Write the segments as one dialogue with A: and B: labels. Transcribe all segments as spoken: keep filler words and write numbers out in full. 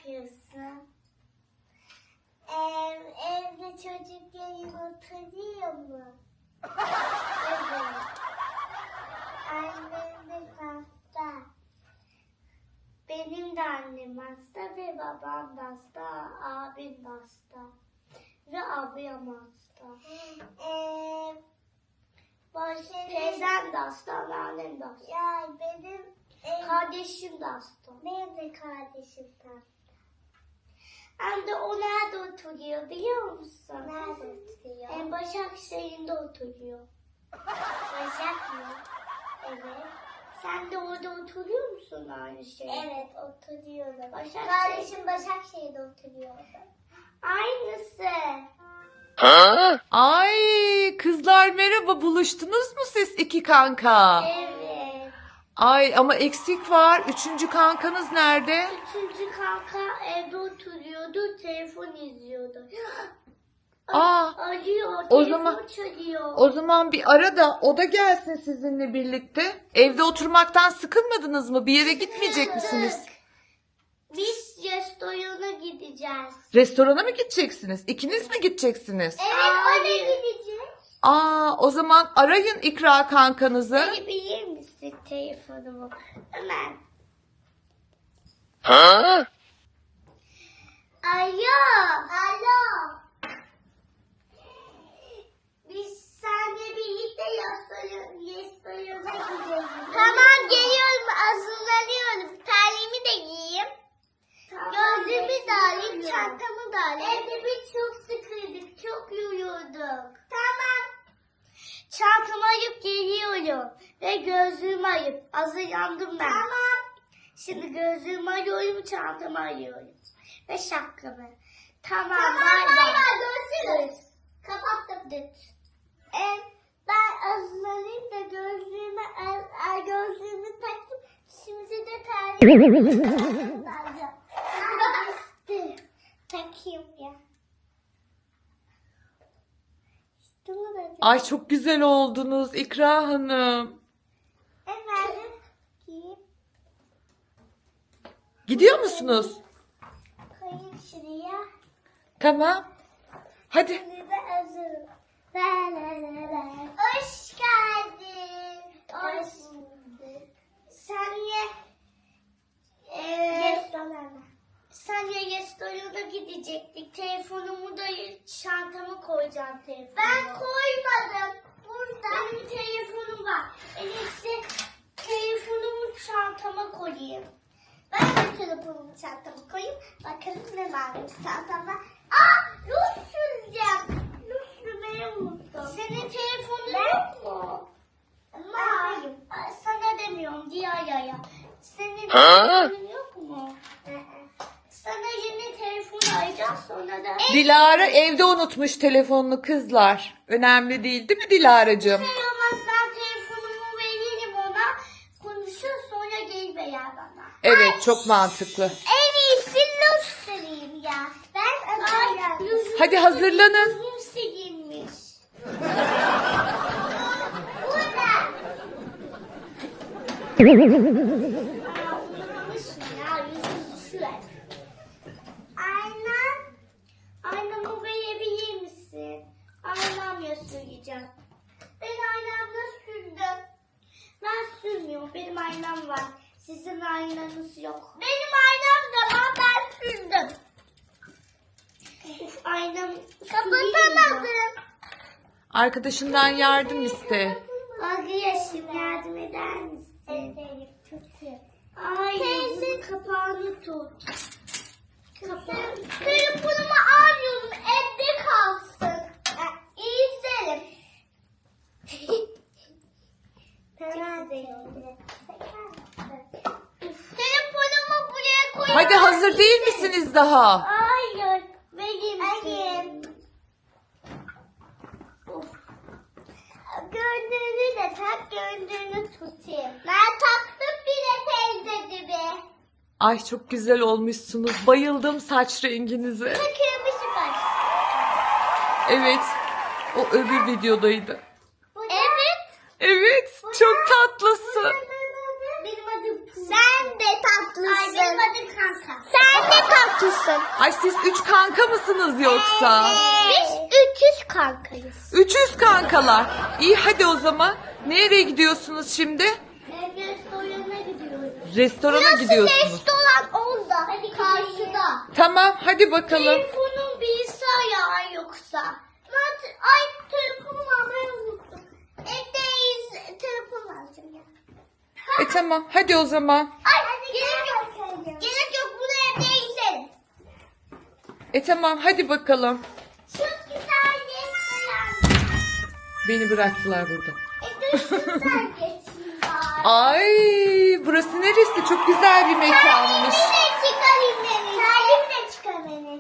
A: yapıyorsun? Ee, evde çocukların oturuyor mu? Evet. Annem de hasta. Benim de annem hasta ve babam da hasta, abim de hasta. Ve abim hasta. Ee, Baş, teyzem de hasta, anneannem de hasta. Ya benim e, kardeşim de hasta. Benim de kardeşim de hasta. Hem de o nerede oturuyor biliyor musun? Nerede oturuyor? En Başakşehir'de oturuyor. Başak mı? Evet. Sen de orada oturuyor musun aynı şey? Evet, oturuyorum. Başakşehir. Kardeşim Başakşehir'de oturuyor. Aynısı.
B: Ha? Ay kızlar merhaba, buluştunuz mu siz iki kanka?
A: Evet.
B: Ay ama eksik var. Üçüncü kankanız nerede?
A: Üçüncü kanka evde oturuyordu, telefon izliyordu.
B: Aa,
A: Arıyor,
B: o
A: telefon
B: zaman-
A: çalıyor.
B: o zaman bir ara da o da gelsin sizinle birlikte. Evde oturmaktan sıkılmadınız mı? Bir yere gitmeyecek misiniz?
A: Biz restorana gideceğiz.
B: Restorana mı gideceksiniz? İkiniz mi gideceksiniz?
A: Evet, oraya gideceğiz.
B: Aa, o zaman arayın İkra kankanızı.
A: Verebilir misin telefonumu? Hemen.
B: Ha?
A: Alo. Alo. Biz seninle birlikte restorana gidelim. Tamam, geliyorum. Hazırlanıyorum. Terliğimi de giyeyim. Tamam, gözlüğümü de alayım. Çantamı da alayım. Evde biz çok sıkıldık. Çok yoruyorduk. Tamam. Çantamı alıp geliyorum. Ve gözlüğümü alıp. Hazırlandım ben. Tamam. Şimdi gözlüğümü alıyorum. Çantamı alıyorum. Ve şapkamı. Tamam. Tamam. Bay bay. Görüşürüz. Kapattım. Ee, ben hazırlanayım da gözlüğümü, el, el gözlüğümü taktım. Şimdi de terliğimi takacağım. Takayım ya. İşte bu da.
B: Ay çok güzel oldunuz İkra Hanım.
A: Evet. Giyip
B: Gidiyor musunuz?
A: koyayım şuraya.
B: Tamam. Hadi.
A: Şimdi de hazırım. La la la la. Hoş geldin. Hoş bulduk. Senle eee senle restorana gidecektik. Telefonumu da çantama koyacağım telefonumu. Ben koymadım. Burada. Benim telefonum var. En iyisi telefonumu çantama koyayım. Ben de telefonumu çantama koyayım. Bakalım ne var çantamda. Aa, ruj süreceğim. Ruj sürmeyi unuttum. Senin telefonun yok mu? Var. Sana demiyorum, Dilara'ya. Senin telefonun yok mu? Sana yeni telefon alacağız, sonra da...
B: Dilara evde unutmuş telefonunu kızlar. Önemli değil değil mi Dilara'cığım?
A: Şey olmaz, ben telefonumu veririm ona. Konuşur, sonra gelir veya bana.
B: Evet, çok mantıklı.
A: En iyisi ruj süreyim ya. Ben Ay,
B: Hadi hazırlanın.
A: Ruj silmiş. Burada. Aa, unutmuşum ya, yüzüm düşüyor. Ayna. Aynamı verebilir misin? Aynamla süreceğim. Ben aynamla sürdüm. Ben sürmüyorum. Benim aynam var. Sizin aynanız yok. Benim aynam da var. Ben sürdüm. Uf, aynam kapatamadım.
B: Arkadaşından yardım iste.
A: Arkadaşım yardım eder misin? Ederim. Kötü. Ay, teyze kapağını tut. Kapağı. Telefonumu almıyorum. Evde kalsın. İzlerim. Telefonumu buraya koyar.
B: Hadi hazır değil misiniz daha?
A: Hayır. Vereyim. Vereyim. Gördüğünü de tak, gördüğünü tutayım. Ben taktım bile teyze gibi.
B: Ay çok güzel olmuşsunuz. Bayıldım saç renginize.
A: Takılmışım ben.
B: Evet. O öbür videodaydı.
A: Evet.
B: Evet. Çok tatlısın.
A: Benim adım Sen de tatlısın. Ay, benim adım Kanka. Sen de tatlısın. Haklısın.
B: Ay siz üç kanka mısınız yoksa?
A: Biz üç yüz kankayız.
B: üç yüz kankalar. İyi hadi o zaman. Nereye gidiyorsunuz şimdi?
A: Restorana gidiyoruz.
B: Restorana
A: Burası
B: gidiyorsunuz.
A: restoran orada. Hadi karşıda.
B: Tamam hadi bakalım.
A: Telefonun bilgisayar yoksa. Ben, ay telefonumu almayı unuttum. Evdeyiz. Telefon alacağım ya.
B: E tamam hadi o zaman.
A: Ay gerek yok. Gerek yok. Bunu evde izlerim.
B: E tamam hadi bakalım.
A: Çok güzel restoran.
B: Beni bıraktılar burada.
A: E dur şuradan geçeyim bari.
B: Ay burası neresi? Çok güzel bir mekanmış.
A: Terliğimi de çıkarayım beni. Terliğimi de çıkar beni.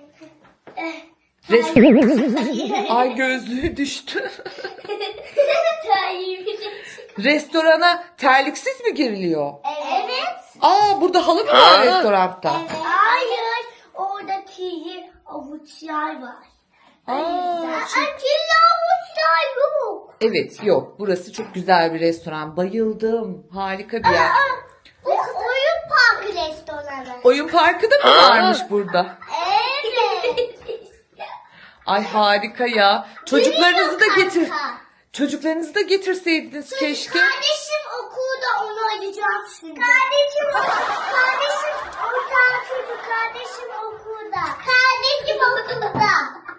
B: Res- Ay gözlüğü düştü.
A: Terliğimi de çıkar.
B: Restorana terliksiz mi giriliyor?
A: Evet.
B: Aa burada halı mı var restoranda?
A: Hayır. Orada kirli avuçlar var.
B: Aa,
A: Aa, kirli avuçlar yok.
B: evet yok. Burası çok güzel bir restoran. Bayıldım. Harika bir yer.
A: Aa, bu oyun parkı restoranı.
B: Oyun parkı da mı varmış burada?
A: Evet.
B: Ay harika ya. Çocuklarınızı da
A: Biliyor
B: getir.
A: kanka.
B: Çocuklarınızı da getirseydiniz keşke.
A: Kardeşim okulda, onu arayacağım şimdi. Kardeşim Kardeşim orada çocuk. Kardeşim okulda. Kardeşim okulda.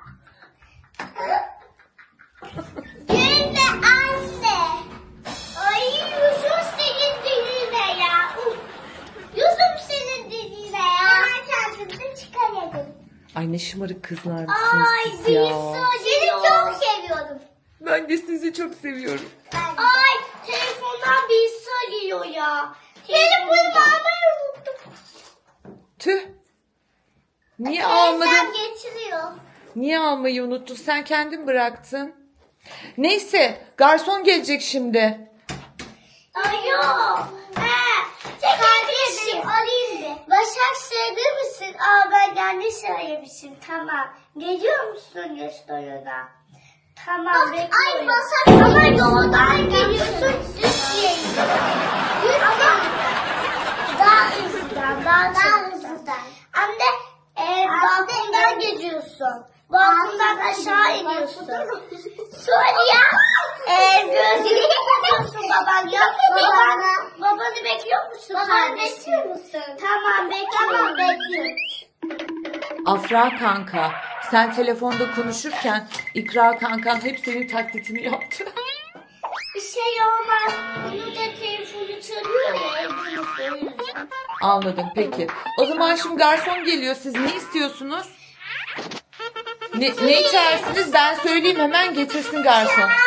A: Gülme anne. Ay Yusuf senin diline ya. Uf. Yusuf senin diline ya. Hemen kendimizi çıkaralım.
B: Ay ne şımarık kızlar mısınız
A: Ay
B: siz ya.
A: seni çok seviyorum.
B: Ben de sizi çok seviyorum.
A: Ay telefondan birisi arıyor ya. Telefonumu almayı unuttum.
B: Tüh. Niye
A: Teyzem
B: almadın?
A: getiriyor.
B: Niye almayı unuttun? Sen kendin bıraktın. Neyse garson gelecek şimdi.
A: Ay yok. He. Kardeşim arayayım bir. Başak sığdır mısın? Aa ben yanlış aramışım. Tamam. Geliyor musun restorana? Tamam Bak, bekliyorum. Ay Başak ama yoldan geliyorsun. Düz yayın. Ama daha hızlıdan, daha, daha hızlıdan. Anne, e, balkondan geziyorsun. Balkondan aşağı iniyorsun. Sonra ya, e, gözünü kapatıyorsun baban. Ya baban, babanı bekliyor musun? Babanı bekliyor musun? Tamam bekliyorum. Tamam bekliyorum.
B: Afra kanka, sen telefonda konuşurken İkra kankan hep senin taklitini yaptı.
A: Bir şey olmaz. Bunu da telefonu çalıyor ya. evde unuttum.
B: Anladım peki. O zaman şimdi garson geliyor. Siz ne istiyorsunuz? Ne, ne içersiniz? Ben söyleyeyim hemen getirsin garson.
A: Ne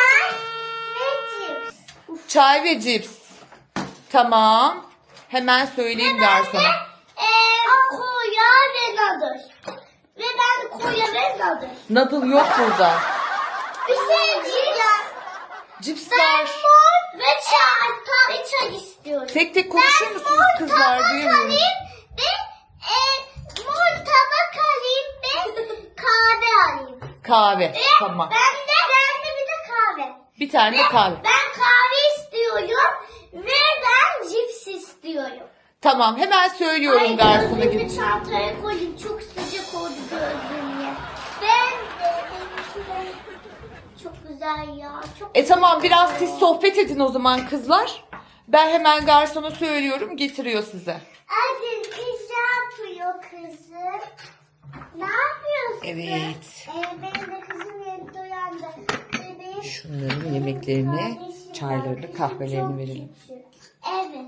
A: cips?
B: Çay ve cips. Tamam. Hemen söyleyeyim garsona.
A: Eee koya ve nadır. Ve ben koya ve nadır.
B: Nadıl yok burada.
A: Bir şey diyeceğim.
B: Cips
A: Ben
B: var.
A: mor ve çay, ta- ve çay istiyorum.
B: Tek tek konuşur
A: Ben
B: musunuz
A: mor
B: kızlar?
A: tabak
B: Duymuyorum.
A: alayım ve e, mor tabak alayım ve kahve alayım.
B: Kahve.
A: Ve
B: Tamam.
A: ben de, ben de bir de kahve.
B: Bir tane de kahve.
A: Ben kahve istiyorum ve ben cips istiyorum.
B: Tamam hemen söylüyorum
A: Ay
B: garsona
A: gözlüğümü
B: git.
A: çantaya koyayım. Çok sıcak oldu gözlüğüme. Ben de benimki de çok güzel ya. Çok
B: E tamam biraz siz sohbet edin o zaman kızlar. Ben hemen garsona söylüyorum getiriyor size.
A: Aziz kız ne yapıyor kızım? Ne yapıyorsun?
B: Evet.
A: Ee, benim de kızım yeni uyandı. Bebeğim,
B: Şunların yemeklerini,
A: kardeşim
B: çaylarını,
A: var.
B: kahvelerini
A: Çok
B: verelim.
A: küçük. Evet.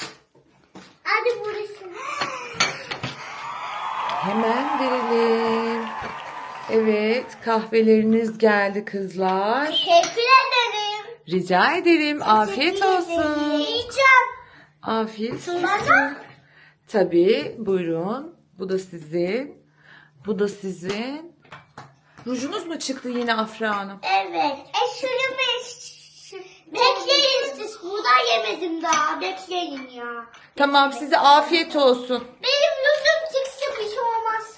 A: Hadi burası.
B: Hemen verelim. Evet kahveleriniz geldi kızlar.
A: Teşekkür ederim.
B: Rica ederim. Afiyet
A: Teşekkür ederim.
B: olsun.
A: Yiyeceğim.
B: Afiyet
A: Bana?
B: olsun. Tabii buyurun. Bu da sizin. Bu da sizin. Rujunuz mu çıktı yine Afra Hanım?
A: Evet. E şunu bekleyin siz. Buradan yemedim daha. Bekleyin ya.
B: Tamam size afiyet olsun.
A: Benim yüzüm çıksa bir şey olmaz.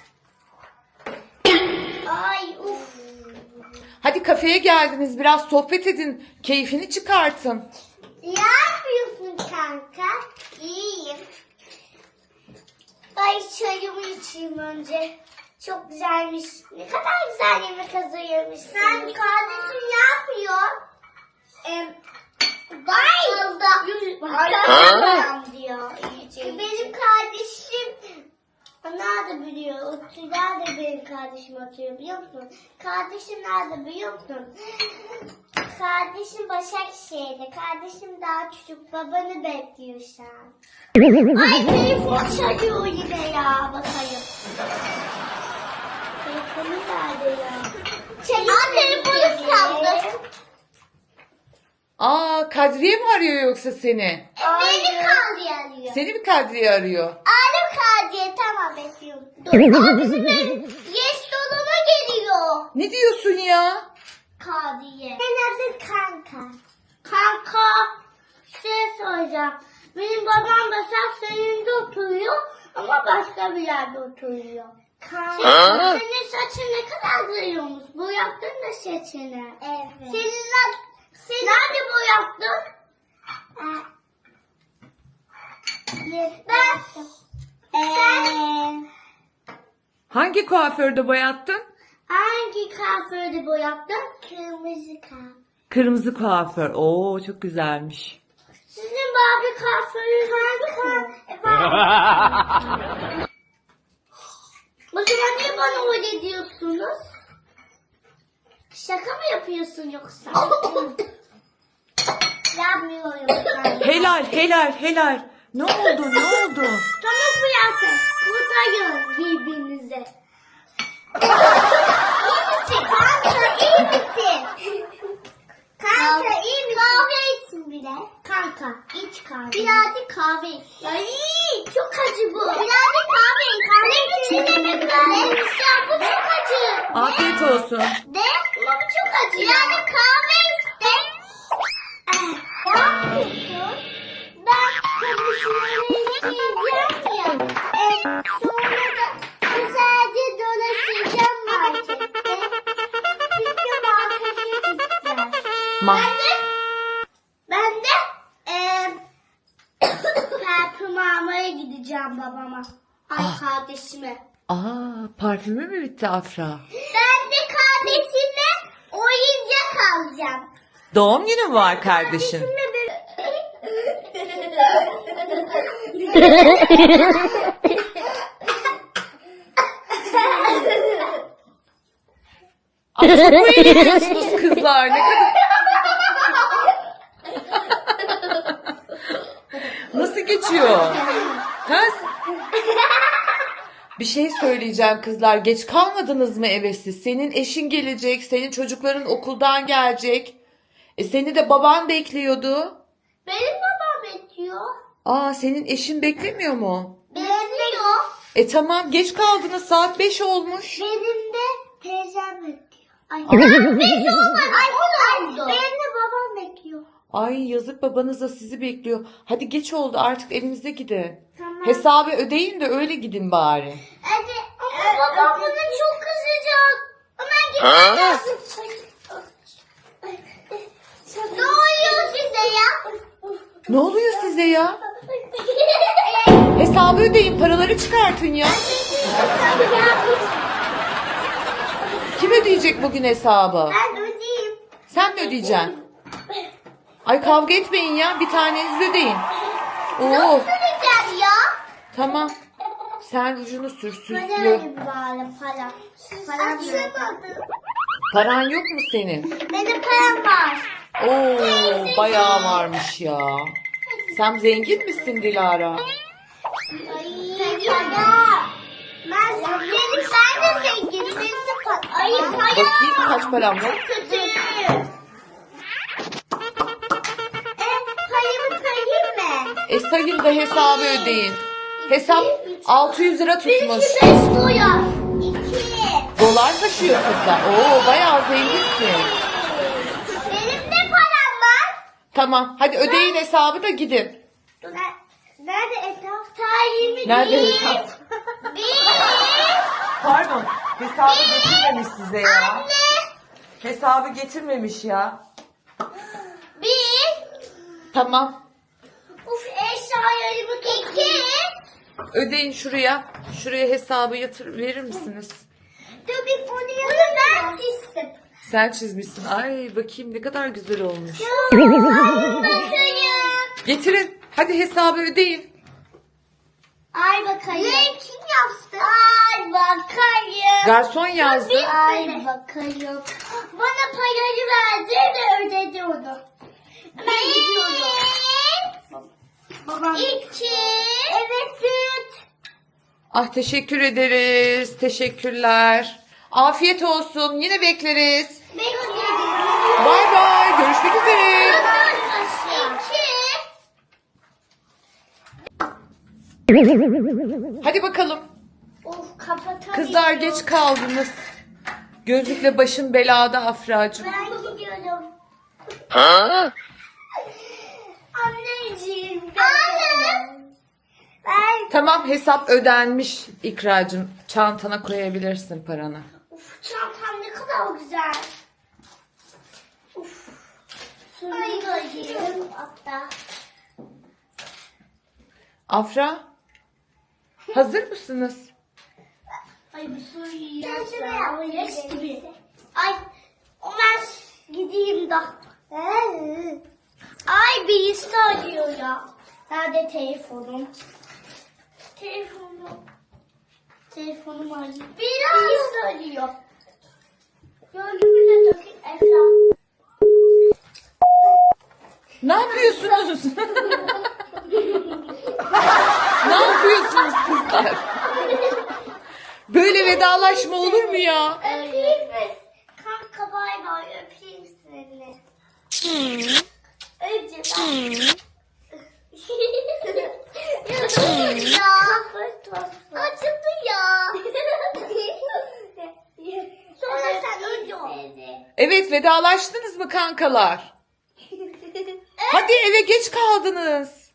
A: Ay uf.
B: Hadi kafeye geldiniz biraz sohbet edin. Keyfini çıkartın.
A: Ne yapıyorsun kanka? İyiyim. Ay Ay çayımı içeyim önce. Çok güzelmiş. Ne kadar güzel yemek hazırlamışsın. Sen kardeşim ne yapıyor? Eee Bayıldı. Bayıldı diyor. Benim kardeşim nerede biliyor? Otur nerede benim kardeşim oturuyor biliyor musun? Kardeşim nerede biliyor musun? Kardeşim Başakşehir'de. Kardeşim daha çocuk. Babanı bekliyor şu an. Ay telefon çalıyor yine ya. Bakayım. Telefonu nerede ya? Aa telefonu çaldı.
B: Aa, Kadriye mi arıyor yoksa seni?
A: Beni Kadriye arıyor.
B: Seni mi Kadriye arıyor?
A: Alem Kadriye tamam bekliyorum. Dur. Bizim yes doluna geliyor.
B: Ne diyorsun ya?
A: Kadriye. Senin adın kanka. Kanka. Şey soracağım. Benim babam da senin de oturuyor ama başka bir yerde oturuyor. Kanka. Senin, senin saçın ne kadar duruyormuş. Bu yaptın da saçını. Evet. Senin Sen nerede boyattın? Ben sen
B: Hangi kuaförde boyattın?
A: hangi kuaförde boyattın? Kırmızı kuaför.
B: Kırmızı kuaför. Oo, çok güzelmiş.
A: Sizin Barbie kuaförünüz hangi kuaför? O zaman niye bana öyle diyorsunuz? Şaka mı yapıyorsun yoksa? Yapmıyorum.
B: Helal, helal, helal. Ne oldu, ne oldu?
A: Tamam Fiyatı. Kurtarın birbirinize. İyi misin kanka? İyi misin? Kanka iyi misin? Kahve için bile. Kanka iç kahve. Birazcık kahve iç. Ay çok acı bu. Birazcık kahve iç. Kahve içinde mi böyle? Ya bu çok acı.
B: Afiyet olsun.
A: De ama bu çok acı. Birazcık kahve iste. Ne yapıyorsun? Ben konuşmaları isteyeceğim ya. E, sonra da güzelce dolaşacağım markette. Çünkü markete gideceğim.
B: Ma
A: Ben de, ben de e, parfüm almaya gideceğim babama. Ay
B: Ah.
A: kardeşime.
B: Aa, parfümü mü bitti Afra?
A: Ben de kardeşime oyuncak alacağım.
B: Doğum günü mü var kardeşin?
A: Kardeşimle bir...
B: Aa, çok eğleniyorsunuz kızlar. Ne kadar... Nasıl geçiyor? Ha? Bir şey söyleyeceğim kızlar. Geç kalmadınız mı eve siz? Senin eşin gelecek. Senin çocukların okuldan gelecek. E seni de baban bekliyordu.
A: Benim babam bekliyor.
B: Aa, senin eşin beklemiyor mu?
A: Bekliyor.
B: E tamam, geç kaldınız. Saat beş olmuş.
A: Benim de teyzem bekliyor. Ay, benim beş olmadı. Ay, on oldu. Benim de babam bekliyor.
B: Ay, yazık, babanız da sizi bekliyor. Hadi geç oldu, artık evinize gidin.
A: Tamam.
B: Hesabı ödeyin de öyle gidin bari.
A: Evet ama babam bana çok kızacak. Hemen gitmem lazım. Ne oluyor size ya?
B: Ne oluyor size ya? Hesabı ödeyin, paraları çıkartın ya. Kim ödeyecek bugün hesabı?
A: Ben ödeyeyim.
B: Sen mi ödeyeceksin? Ay, kavga etmeyin ya, bir taneniz ödeyin. Oo,
A: Ödeyeceğim ya.
B: tamam. Sen rujunu sür,
A: Para
B: süslü.
A: alayım bari para. Param yok.
B: Paran yok mu senin?
A: Benim param var.
B: Oo, bayağı varmış ya. Sen zengin misin Dilara?
A: Ay. Para. Ben, benim, ben de zenginim. Benim de para. Ay para.
B: Bakayım kaç param var.
A: Kötü. E, payımı sayayım mı?
B: E sayın da hesabı ödeyin. Hesap altı yüz lira tutmuş.
A: Benimki beş dolar. İki.
B: Dolar taşıyorsun sen. Oo, bayağı zenginsin.
A: Benim de param var.
B: Tamam, hadi ödeyin hesabı da gidin.
A: Dur, nerede hesap? Sayayım.
B: Nerede
A: Bir.
B: hesap?
A: Bir.
B: Pardon, hesabı getirmemiş size ya.
A: Anne.
B: Hesabı getirmemiş ya.
A: Bir.
B: Tamam.
A: Uf eşyalarımı iki.
B: Ödeyin şuraya. Şuraya hesabı yatır verir misiniz?
A: Dur bir bunu yazın. Ben çizdim.
B: Sen çizmişsin. Ay bakayım ne kadar güzel olmuş.
A: Bakayım.
B: Getirin. Hadi hesabı ödeyin.
A: Ay bakayım. Ne kim yaptı? Ay bakayım.
B: Garson yazdı.
A: Ay bakayım. Bana parayı verdi ve ödedi onu. Ben gidiyorum. Babam. İki. Evet üç.
B: Ah teşekkür ederiz. Teşekkürler. Afiyet olsun. Yine bekleriz.
A: Bekledim.
B: Bay bay. Görüşmek üzere.
A: İki.
B: Hadi bakalım.
A: Of kapatamıyorum.
B: Kızlar geç kaldınız. Gözlükle başın belada Afracığım.
A: Ben gidiyorum. Anneciğim. Anne. Ben.
B: Tamam hesap ödenmiş İkracığım. Çantana koyabilirsin paranı.
A: Uf çantam ne kadar güzel. Uf. Şunu koyayım hatta.
B: Afra. Hazır mısınız?
A: Ay bu suyu yaşlar. Yaş gibi. Ay Ömer gideyim de. Ay birisi arıyor ya. Nerede telefonum? Telefonum. Telefonum arıyor. Birisi arıyor. Gördüğümü de takayım Efra.
B: Ne yapıyorsunuz? Ne yapıyorsunuz kızlar? Böyle vedalaşma olur mu ya?
A: Öpeyim mi? Kanka bay bay öpeyim seni. Önce ben. ya. Acıdı ya. Sonra sen önce ol.
B: Evet vedalaştınız mı kankalar? Hadi eve geç kaldınız.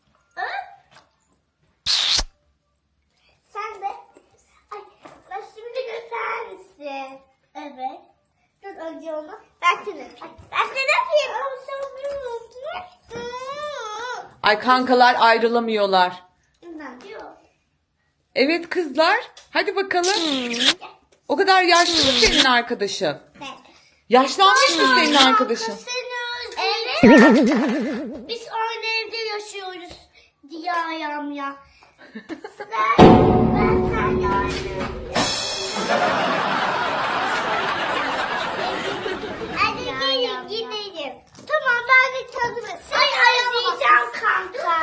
A: Sen de. Ay, ben şimdi göster misin? Evet. Dur önce onu. Ben seni öpeyim. Ben seni öpeyim. Ama sen beni unutmuşsun.
B: Ay kankalar ayrılamıyorlar.
A: Ben diyor.
B: Evet kızlar. Hadi bakalım. O kadar yaşlı mı senin arkadaşın?
A: Ben.
B: Yaşlanmış mı senin arkadaşın?
A: Evet. Biz aynı evde yaşıyoruz diye ayağım ya. Ben, ben sen yardım. Hadi gelin gidelim. Tamam ben de tadım. Ay arayacağım kanka.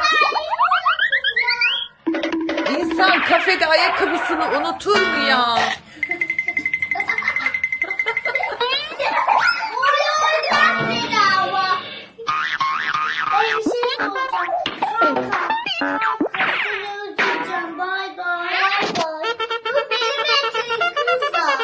B: İnsan kafede ayakkabısını unutur mu ya?
A: Uyuyacağım bedava. Ay bir şey olacak. Kanka. Kanka seni özleyeceğim. Bay bay. Bay bay. Bu benim ekmeğim kızlar.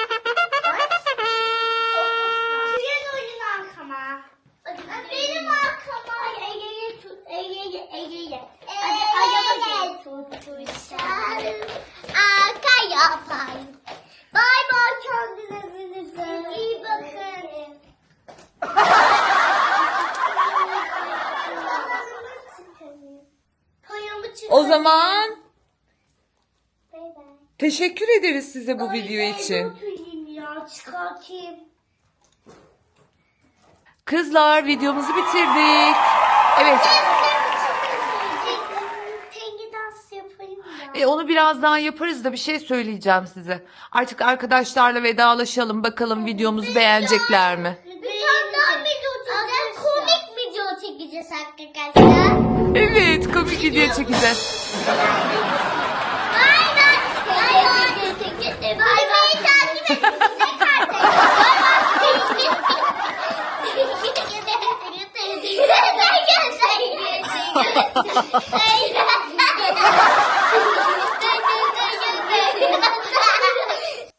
A: Tüyen oyun arkama. Benim arkama. Ege'ye tut. Ege'ye. Ege'ye. Hadi ayağıma tutuşalım. Arka yapayım. Bay bay kendinize. İyi bakın.
B: O zaman
A: Bay bay.
B: teşekkür ederiz size bu video için.
A: Oturayım ya çıkartayım.
B: Kızlar videomuzu bitirdik. Evet.
A: Tengi dans yapayım ya.
B: E, onu birazdan yaparız da bir şey söyleyeceğim size. Artık arkadaşlarla vedalaşalım. Bakalım videomuzu beğenecekler mi?
A: Bir tane daha video çekeceğiz. Komik video çekeceğiz arkadaşlar.
B: Evet, komik video çekeceğiz.
A: Bay bay. Bay bay. Bay bay. Takip et. Bay bay.